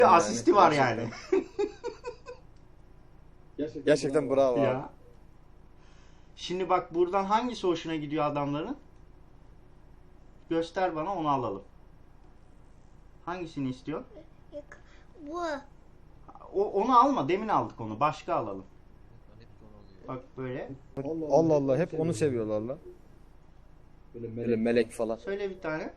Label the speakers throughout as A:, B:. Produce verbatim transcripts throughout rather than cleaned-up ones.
A: Asisti var yani.
B: Gerçekten, Gerçekten bravo abi.
A: Ya. Şimdi bak buradan hangisi hoşuna gidiyor adamların? Göster bana, onu alalım. Hangisini istiyor?
C: Bu.
A: O, onu alma, demin aldık onu. Başka alalım. Bak böyle.
B: Allah Allah, hep onu seviyorlar lan. Böyle melek, Böyle melek falan.
A: Söyle bir tane.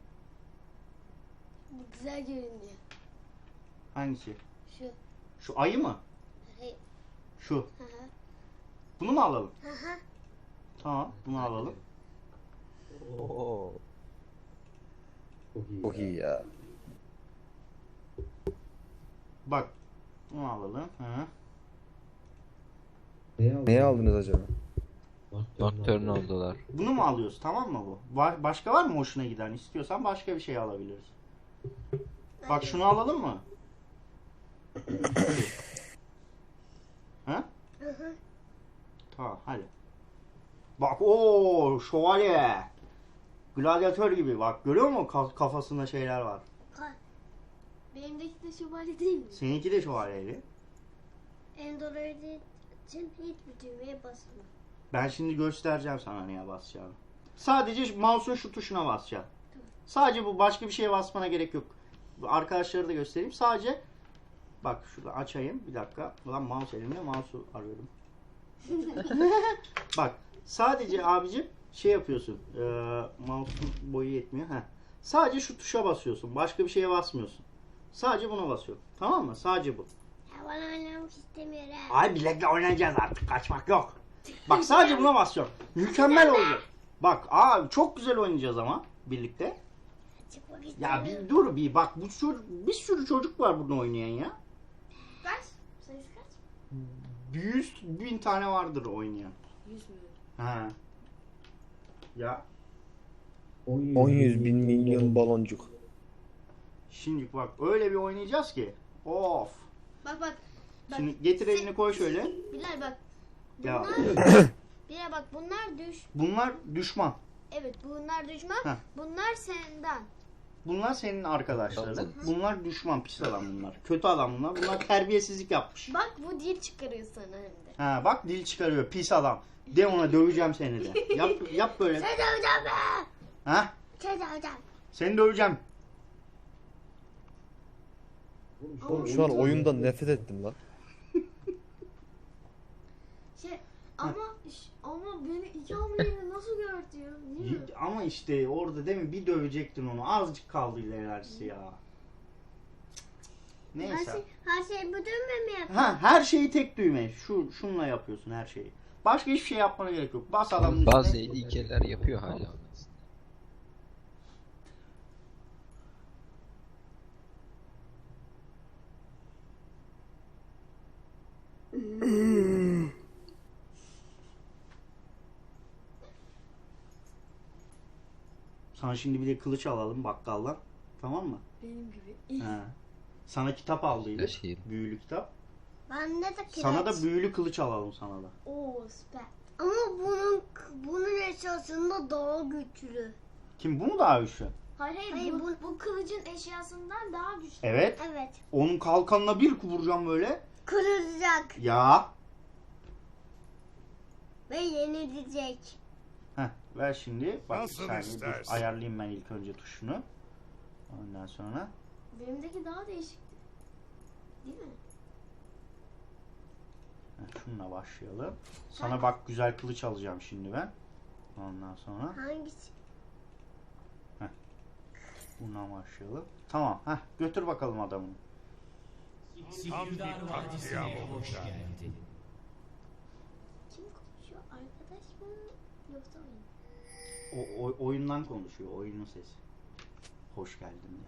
C: Bu güzel görünüyor.
A: Hangisi?
C: Şu.
A: Şu ayı mı?
C: Hayır.
A: Şu.
C: Hı hı.
A: Bunu mu alalım?
C: Hı hı.
A: Tamam, bunu alalım.
B: Oo. Çok iyi ya.
A: Bak. Bunu alalım. Hı.
B: Neye aldınız acaba?
D: Nocturne oldular.
A: Bunu mu alıyoruz? Tamam mı bu? Var, başka var mı hoşuna giden? İstiyorsan başka bir şey alabiliriz. Bak şunu alalım mı? Ha?
C: Hı hı.
A: Tamam hadi. Bak o şövalye. Gladyatör gibi bak, görüyor musun? Ka- kafasında şeyler var.
C: Benimdeki de şövalye değil mi?
A: Seninki de şövalyeydi.
C: Endoroloji için hiçbir düğmeye basma.
A: Ben şimdi göstereceğim sana neye basacağını. Sadece mouse'un şu tuşuna basacaksın. Sadece bu, başka bir şeye basmana gerek yok. Arkadaşları da göstereyim. Sadece bak şurada açayım. Bir dakika. Ulan mouse elimde, mouse'u arıyorum. Bak sadece abicim şey yapıyorsun. Ee, mouse'un boyu yetmiyor. Heh. Sadece şu tuşa basıyorsun. Başka bir şeye basmıyorsun. Sadece buna basıyorsun. Tamam mı? Sadece bu.
C: Ya ben oynamak istemiyorum.
A: Ay bilekle oynayacağız artık. Kaçmak yok. Bak sadece buna basıyorum. Mükemmel oldu. Bak abi çok güzel oynayacağız ama birlikte.
C: Çıkmak
A: Ya
C: istemiyorum.
A: bir dur bir bak, bu çocuk, bir sürü çocuk var burada oynayan ya.
C: Kaç? Sayısı kaç?
A: Yüz bin tane vardır oynayan.
C: Yüz mü?
A: Ha. Ya
B: on yüz bin milyon baloncuk.
A: şimdi bak öyle bir oynayacağız ki. Of.
C: Bak bak. Bak.
A: Şimdi getir elini koy şöyle.
C: Bilal bak.
A: Ya
C: Bilal bak, bunlar düş.
A: bunlar düşman.
C: Evet, bunlar düşman.
A: Heh.
C: Bunlar senden.
A: Bunlar senin arkadaşların. Bunlar düşman, pis adam bunlar. Kötü adam bunlar. Bunlar terbiyesizlik yapmış.
C: Bak bu dil çıkarıyor sana hem de.
A: Ha bak dil çıkarıyor, pis adam. De ona döveceğim seni de. Yap yap böyle.
C: Sen döveceğim be.
A: Ha?
C: Sen döveceğim.
A: Seni döveceğim.
B: Şu an oyundan nefret ettim lan.
C: Şey ama iş- ama beni iki hamleyle nasıl gördü? Değil mi?
A: Ama işte orada değil mi, bir dövecektin onu. Azıcık kaldı ilerisi ya.
C: Her
A: Neyse.
C: şey, her şey bu düğme mi yapıyor?
A: Ha, her şeyi tek düğme. Şu şunla yapıyorsun her şeyi. Başka hiçbir şey yapmana gerek yok. Bas adamın
D: Bazı
A: üstüne.
D: ilkeler yapıyor hala.
A: Sana şimdi bir de kılıç alalım bakkaldan. Tamam mı?
C: Benim gibi.
A: He. Sana kitap aldıydık.
D: Şey.
A: Büyülü kitap.
C: Ben de de
A: Sana da büyülü kılıç alalım sana da.
C: Oo süper. Ama bunun bunun eşyasında daha güçlü.
A: Kim, bu mu daha güçlü?
C: Hayır hayır,
E: Hayır,
C: bu,
E: bu, bu kılıcın eşyasından daha güçlü.
A: Evet.
C: evet.
A: Onun kalkanına bir vuracağım böyle.
C: Kırılacak
A: Ya.
C: ve yenilecek.
A: Heh, ver şimdi. Bak bir
F: Nasıl
A: saniye dur.
F: istersen.
A: Ayarlayayım ben ilk önce tuşunu. Ondan sonra.
E: Benimdeki daha değişikti. Değil mi?
A: Heh, şununla başlayalım. Sana bak güzel kılıç alacağım şimdi ben. Ondan sonra.
C: Hangisi?
A: Bundan başlayalım. Tamam. Heh, götür bakalım adamını.
F: Tam bir katliam olacak.
C: Kim konuşuyor? Arkadaş mı? Yoksa oyun?
A: O, o- oyundan konuşuyor. Oyunun sesi. Hoş geldin diye.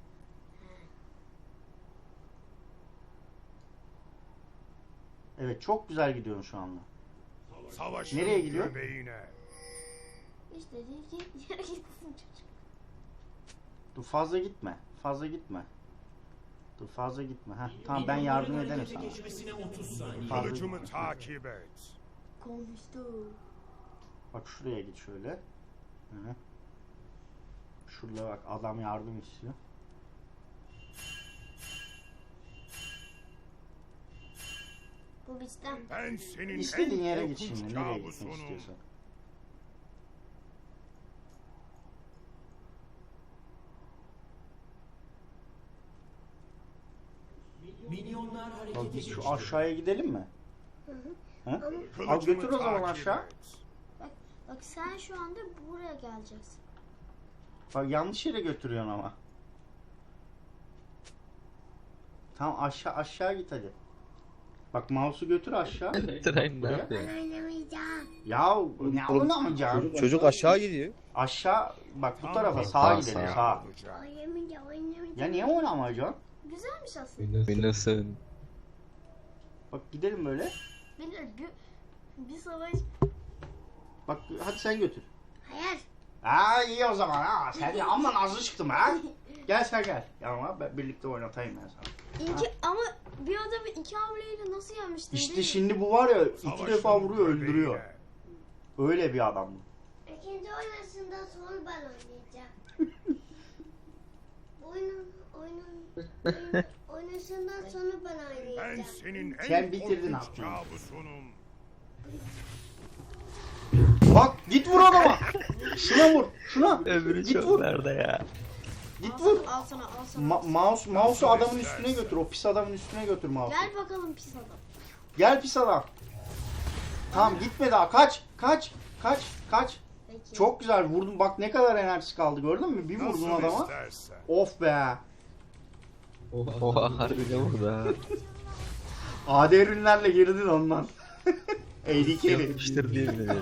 A: Evet, çok güzel gidiyorsun şu anda.
F: Savaşın
A: Nereye gidiyor?
F: göbeğine.
E: İşte değil ki yere gitsin çocuk.
A: Dur fazla gitme. Fazla gitme. Dur fazla gitme. Heh, tamam ben yardım ederim sana. Fazla
F: Kılıcımı
A: gitme.
F: takip et.
E: Konuştu.
A: Bak şuraya git şöyle. Hı. Şurada bak adam yardım istiyor.
E: Bu bizden.
F: Ben senin
A: İstediğin
F: en
A: yere git
F: korkunç
A: şimdi. Nereye gitmek
F: kabusunum.
A: istiyorsan. Bak biz şu aşağıya gidelim mi? Ha? Al
F: Kılıcımı
A: götür o zaman
F: takip
A: aşağı.
F: et.
E: Bak sen şu anda buraya geleceksin.
A: Bak yanlış yere götürüyorsun ama. Tamam aşağı aşağı git hadi. Bak mouse'u götür aşağı.
D: Tren ne yapıyor?
E: Oynamayacağım.
A: Ya ne oynamayacağım?
B: Çocuk, çocuk aşağı gidiyor.
A: Aşağı bak bu
F: Tam
A: tarafa
F: bir
A: sağa
D: sağ,
A: gidelim
D: sağ.
A: sağa.
F: olacak.
E: Oynamayacağım. Oynamayacağım.
A: Ya niye oynamayacaksın?
E: Güzelmiş aslında.
D: Windows'ın.
A: Bak gidelim böyle.
E: Bilir bir, bir savaş.
A: Bak hadi sen götür.
E: Hayır.
A: Ha iyi o zaman ha. Sen de amma nazlı çıktın ha. Gel sen gel. Ya ama ben birlikte oynatayım ben sana.
E: İki, ama bir adamı iki hamleyle nasıl yenmiştin?
A: İşte
E: değil mi?
A: şimdi bu var ya iki
F: Savaşın
A: defa vuruyor öldürüyor.
F: göbeğine.
A: Öyle bir adam bu.
E: İkinci oynasında sonra ben oynayacağım. oyunun oyunun oyun, oynasından sonra ben
F: Ben
E: oynayacağım.
F: senin en
A: Sen bitirdin
F: korkunç
A: aklını.
F: kabusunum.
A: Bak git vur adama. Şuna vur. Şuna.
D: Öbürü
A: Git
D: çok
A: vur.
D: nerede ya?
A: Git
E: Al
A: vur.
E: sana, al sana, al sana.
A: Ma- mouse mouse'u adamın üstüne götür. O pis adamın üstüne götür mouse'u.
E: Gel bakalım pis adam.
A: Gel pis adam. Tamam gitme daha. Kaç. Kaç. Kaç. Kaç.
E: Peki.
A: Çok güzel vurdun. Bak ne kadar enerjisi kaldı gördün mü? Bir vurdun
F: Nasıl
A: adama.
F: istersen.
A: Of be.
D: Oha harbiden vurdu ha.
A: A D ürünlerle girdin ondan. A D carry.
D: Yapıştır diye bile.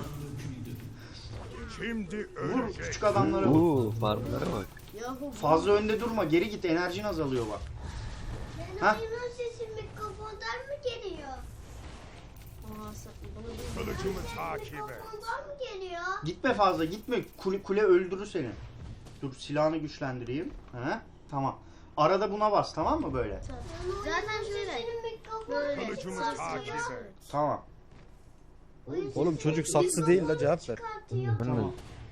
F: Şimdi
A: Vur
F: ölecek.
A: küçük adamlara vur.
D: Uuu farmlara bak.
E: Yahu
A: Fazla önde durma. Geri git. Enerjin azalıyor bak.
E: Benim
A: Ha?
E: oyunun sesi mikrofondan mı geliyor? Aa, sen- bunu bir-
F: Kılıcımı takip et.
E: Mikrofondan mı geliyor?
A: Gitme fazla. Gitme. Kule, kule öldürür seni. Dur silahını güçlendireyim. He? Tamam. Arada buna bas tamam mı böyle?
E: Zaten şöyle. Böyle.
F: Kılıcımı
E: Sağ-
F: takip
E: sağ-
F: et.
A: Tamam.
B: Oğlum çocuk saksı değil la cevap ver.
A: Tamam.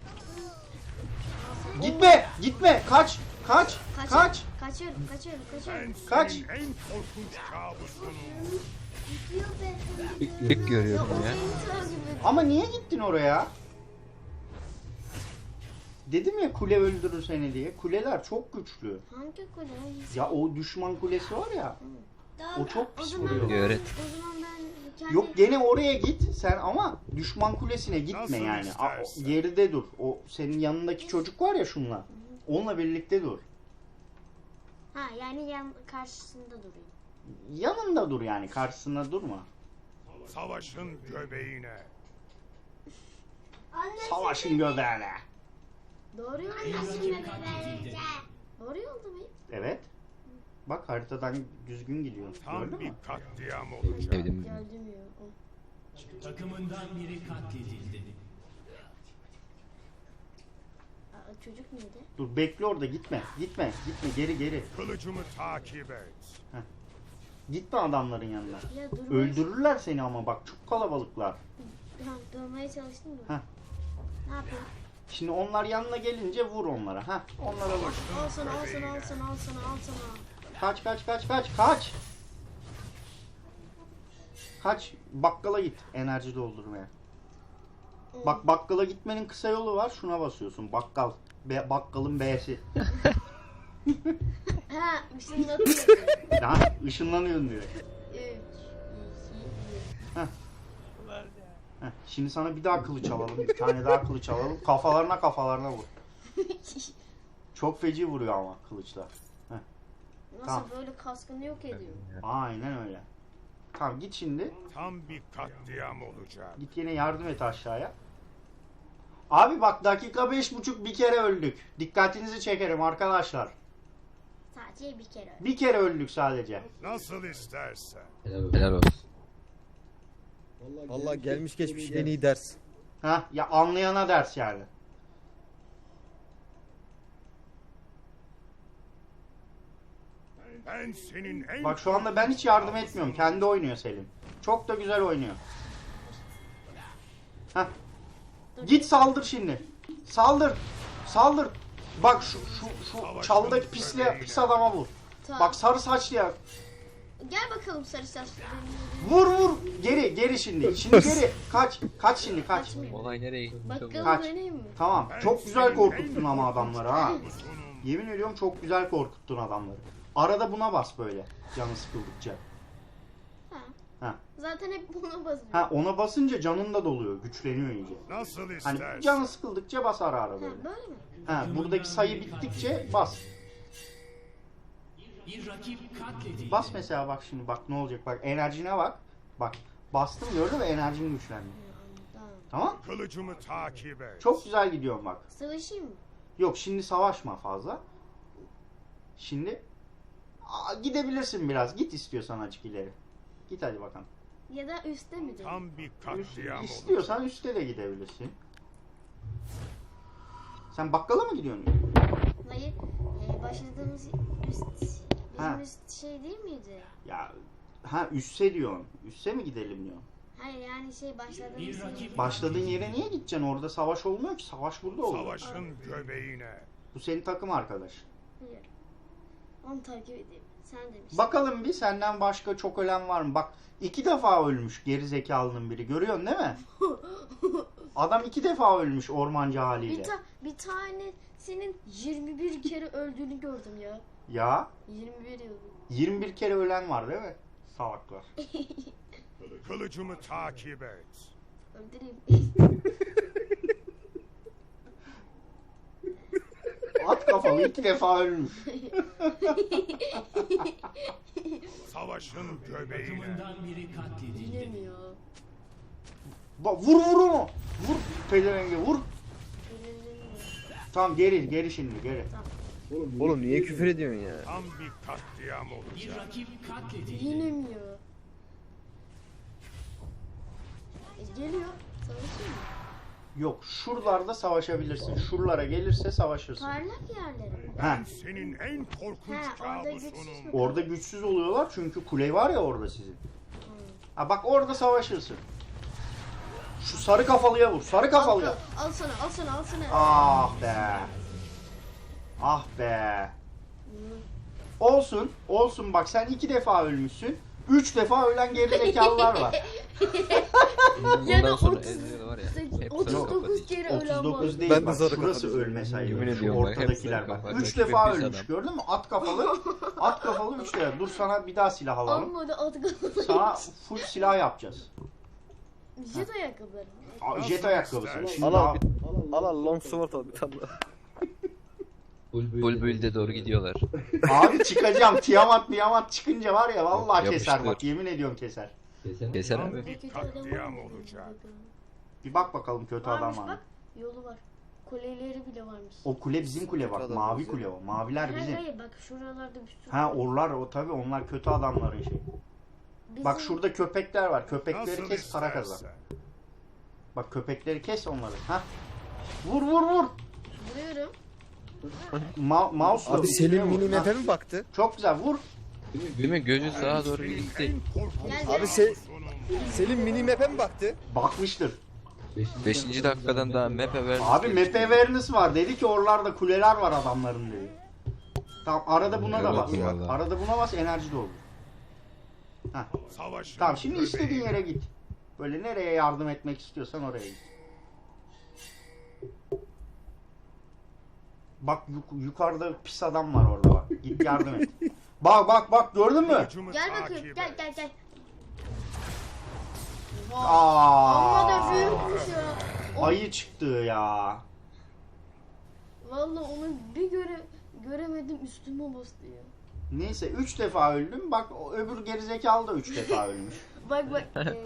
A: Gitme. Gitme. Kaç. Kaç.
E: Kaç.
A: Kaç.
E: Kaçıyorum, kaçıyorum,
F: Ben
E: kaçıyorum.
F: senin
A: Kaç.
F: en korkunç kabusunum.
D: Büyük
E: Ya
D: görüyorum
E: o
D: ya.
E: beni takip ediyor.
A: Ama niye gittin oraya? Dedim ya kule öldürür seni diye. Kuleler çok güçlü.
E: Hangi kule? Hangisi?
A: Ya o düşman kulesi var ya.
E: Daha-
A: o çok pis
E: o zaman
A: vuruyor.
E: ben-
D: Öğret.
E: O zaman ben kendi...
A: Yok gene oraya git sen ama düşman kulesine gitme
F: Nasıl
A: yani. A- o-
F: istersen.
A: geride dur. O senin yanındaki çocuk var ya şunla. Onunla birlikte dur.
E: Ha yani yan karşısında durayım.
A: Yanında dur yani karşısında durma.
F: Savaşın göbeğine.
A: Savaşın göbeğine.
E: Doğru yolda mıyım? Doğru yolda mıyım?
A: Evet. Bak haritadan düzgün gidiyor.
F: Tam
A: Gördün
F: bir
A: mü?
F: katliam olacak.
D: Sevdim.
E: Geldim ya. O.
G: Takımından biri katledildi.
E: Aa, çocuk neydi?
A: Dur bekle orada gitme. Gitme. Gitme geri geri.
F: Kılıcımı takip et.
A: Gitme adamların yanına.
E: Ya durmaya,
A: Öldürürler seni ama bak çok kalabalıklar.
E: Ha, durmaya çalıştım da.
A: Heh.
E: Ne yapayım?
A: Şimdi onlar yanına gelince vur onlara. Ha, onlara vur.
E: Al sana, al sana, al sana, al sana, al sana.
A: Kaç kaç kaç kaç kaç. Kaç bakkala git enerji doldurmaya. Bak bakkala gitmenin kısa yolu var. Şuna basıyorsun. Bakkal. Be, bakkalın B'si.
E: Ha, ışınlatıyor.
A: Ya ışınlanıyorsun diyor.
E: Üç, iki, bir.
A: Heh, şimdi sana bir daha kılıç alalım. Bir tane daha kılıç alalım. Kafalarına kafalarına vur. Çok feci vuruyor ama kılıçlar.
E: Nasıl
A: Tamam.
E: böyle kaskını yok ediyor?
A: Aynen öyle. Tamam git şimdi.
F: Tam bir katliam olacak.
A: Git yine yardım et aşağıya. Abi bak dakika beş buçuk bir kere öldük. Dikkatinizi çekerim arkadaşlar.
E: Sadece bir kere.
A: Bir kere öldük sadece.
F: Nasıl istersen.
D: Helal olsun.
B: Vallahi gelmiş geçmiş en iyi ders.
A: Heh, ya anlayana ders yani.
F: Ben senin en
A: Bak şu anda ben hiç yardım etmiyorum. Kendi oynuyor Selim. Çok da güzel oynuyor. Heh. Git saldır şimdi. Saldır. Saldır. Bak şu şu şu çaldaki pisli pis adama vur.
E: Tamam.
A: Bak sarı saçlı ya.
C: Gel bakalım sarı saçlı.
A: Vur vur. Geri geri şimdi. Şimdi geri. Kaç. Kaç şimdi kaç.
D: Olay nereye gitti?
C: Bakalım
A: Kaç.
C: döneyim mi?
A: Tamam. Çok güzel korkuttun ama adamları ha. Yemin ediyorum çok güzel korkuttun adamları. Arada buna bas böyle. Canı sıkıldıkça.
C: Ha.
A: Ha.
C: Zaten hep buna basıyorum.
A: Ha ona basınca canın da doluyor. Güçleniyor iyice.
F: Nasıl
A: Hani
F: istersen.
A: canı sıkıldıkça bas ara ara
C: Ha,
A: böyle.
C: böyle mi?
A: Ha buradaki sayı bittikçe bas.
G: Bir rakip katledildi.
A: Bas mesela bak şimdi bak ne olacak bak enerjine bak. Bak bastım gördün mü enerjin güçlendi.
C: Tamam.
A: Tamam?
F: Kılıcımı takip et.
A: Çok güzel gidiyorum bak.
C: Savaşayım mı?
A: Yok şimdi savaşma fazla. Şimdi Aa, gidebilirsin biraz. Git istiyorsan açık ileri. Git hadi bakalım.
C: Ya da üstte mi döneyim?
F: Tam bir
A: Üst,
F: katliam olacak.
A: istiyorsan üstte de gidebilirsin. Sen bakkala mı gidiyorsun?
C: Hayır. E, başladığımız üst...
A: Ha.
C: Bizim üst şey değil miydi?
A: Ya ha üsse diyorsun. Üsse mi gidelim diyorsun?
C: Hayır yani şey başladığımız
G: Bir
C: yer.
G: rakip
A: Başladığın yere niye gideceksin? Orada savaş olmuyor ki. Savaş burada oluyor.
F: Savaşın göbeğine.
A: Bu senin takım arkadaş.
C: Hayır. Onu takip edeyim. Sen demiştin.
A: Bakalım bir senden başka çok ölen var mı? Bak iki defa ölmüş geri zekalının biri. Görüyorsun değil mi? Adam iki defa ölmüş ormancı
C: Bir,
A: haliyle.
C: ta bir tanesinin yirmi bir kere öldüğünü gördüm ya.
A: Ya
C: yirmi bir yıl.
A: yirmi bir kere ölen var değil mi? Salaklar.
F: Kılıcımı takip et.
C: Öldüreyim.
A: At kafalı iki defa ölmüş.
F: Savaşın göbeğine.
G: takımından biri katledildi.
C: Bilemiyor.
A: Bak vur vur onu. Vur pezevenge vur. Tamam geri geri şimdi geri.
B: Oğlum niye küfür ediyorsun ya?
F: Tam bir katliam
G: Bir
F: olacak.
G: rakip katledildi.
C: Yenemiyor. E, geliyor. Savaşıyor mu?
A: Yok şuralarda savaşabilirsin. Şuralara gelirse savaşırsın.
C: Parlak yerlere mi?
A: Ha.
F: Senin en korkunç
C: Ha, orada güçsüz
F: kabusunum.
C: mü?
A: Orada güçsüz oluyorlar çünkü kule var ya orada sizin. Ha bak orada savaşırsın. Şu sarı kafalıya vur. Sarı kafalıya.
C: Al, al sana, al sana, al sana.
A: Ah be. Ah be. Olsun. Olsun bak sen iki defa ölmüşsün. Üç defa ölen gerizekalılar var.
C: Ya da
D: Bundan sonra
C: otuz-
D: Ezreal var ya. Hep
C: otuz
D: sarı
C: dokuz
D: kafa
C: kere
A: otuz
C: ölen var.
A: dokuz değil
B: Ben de
A: bak.
B: sarı
A: Şurası
B: kafa
A: ölme sayılır.
D: Yemin
A: Şu
D: ediyorum bak, hep
A: ortadakiler
D: sarı
A: bak.
D: kafa.
A: Üç
D: Rakip
A: defa
D: hepsi
A: ölmüş
D: adam.
A: gördün mü? At kafalı. At kafalı üç defa. Dur sana bir daha silah alalım.
C: Amma da at kafalı.
A: Sana full silah yapacağız.
C: Jet ayakkabıları.
A: Aa, Jet ayakkabısı. Şimdi
B: Al
A: daha...
B: al bir, al al long sword al bir tane daha.
D: Bulbül'de doğru gidiyorlar.
A: Abi çıkacağım. Tiamat Tiamat çıkınca var ya vallahi
D: Yok,
A: keser bak.
D: yapıştır.
A: Yemin ediyorum keser.
D: Keser
F: Tam
D: abi.
F: bir katliam olacak.
A: Bir bak bakalım kötü adam
C: Varmış
A: var mı?
C: bak. Yolu var. Kuleleri bile varmış.
A: O kule bizim kule bak.
B: Kötü adam
A: Mavi
B: bizim.
A: kule o. Maviler
C: Hayır
A: bizim.
C: hayır bak şuralarda bir sürü.
A: Ha orlar o tabi onlar kötü adamların şey.
C: Bizim-
A: Bak şurada köpekler var. Köpekleri
F: Nasıl
A: kes para kazan.
F: istersen.
A: Bak köpekleri kes onları. Ha. Vur vur vur.
C: Vuruyorum.
A: Ma mouse'la
B: Abi
A: üstüne
B: Selim
A: vur.
B: mini
A: Ha,
B: map'e mi baktı?
A: Çok güzel vur.
D: Değil mi? Gözü sağa doğru
F: Senin
D: gitti.
F: en korkunç
C: Gel,
B: Abi
C: gel.
B: se
F: kabusunum.
B: Selim mini map'e mi baktı?
A: Bakmıştır.
D: Beşinci dakikadan daha map'e verdi.
A: Abi map awareness var. Dedi ki oralarda kuleler var adamların dedi. Tamam arada buna da
D: Evet,
A: bas. Bak.
D: vallahi.
A: Arada buna bas enerji doldur. Heh.
F: Savaşın
A: Tamam şimdi istediğin
F: göbeğine.
A: yere git. Böyle nereye yardım etmek istiyorsan oraya git. Bak yuk- yukarıda pis adam var orada bak. Git yardım et. Bak bak bak gördün mü?
F: Kılıcımı
C: Gel
F: takip
C: bakayım.
F: et.
C: Gel gel gel.
A: Aa,
C: Amma da büyükmüş ya. O-
A: ayı çıktı ya.
C: Vallahi onu bir göre göremedim üstüme bastı ya.
A: Neyse üç defa öldüm. Bak o öbür gerizekalı da üç defa ölmüş.
C: Bak bak. eee,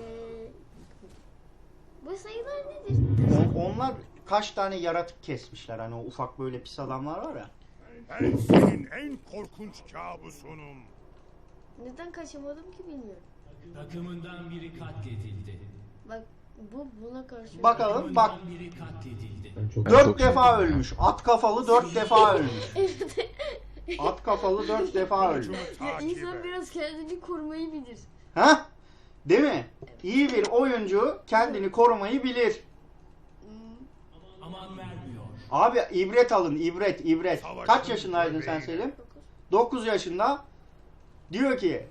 C: bu sayılar nedir?
A: O- onlar kaç tane yaratık kesmişler. Hani o ufak böyle pis adamlar var ya.
F: Ben senin en korkunç kabusunum.
C: Neden kaçamadım ki bilmiyorum.
G: Takımından biri katledildi.
C: Bak bu buna karşı.
A: Bakalım bak.
G: Takımından biri katledildi.
D: Ben
A: Dört
D: çok
A: defa
D: sevdim ya.
A: ölmüş. At kafalı dört defa ölmüş. At kafalı dört defa ölmüş.
F: Kılıcımı
C: Ya
F: takip
C: insan
F: et.
C: biraz kendini korumayı bilir.
A: Ha? Değil mi? İyi bir oyuncu kendini korumayı bilir.
C: Hmm,
G: Aman vermiyor.
A: Abi ibret alın, ibret, ibret.
F: Savaşın
A: Kaç yaşındaydın sen
F: göbeğine.
A: Selim?
C: dokuz.
A: dokuz yaşında. Diyor ki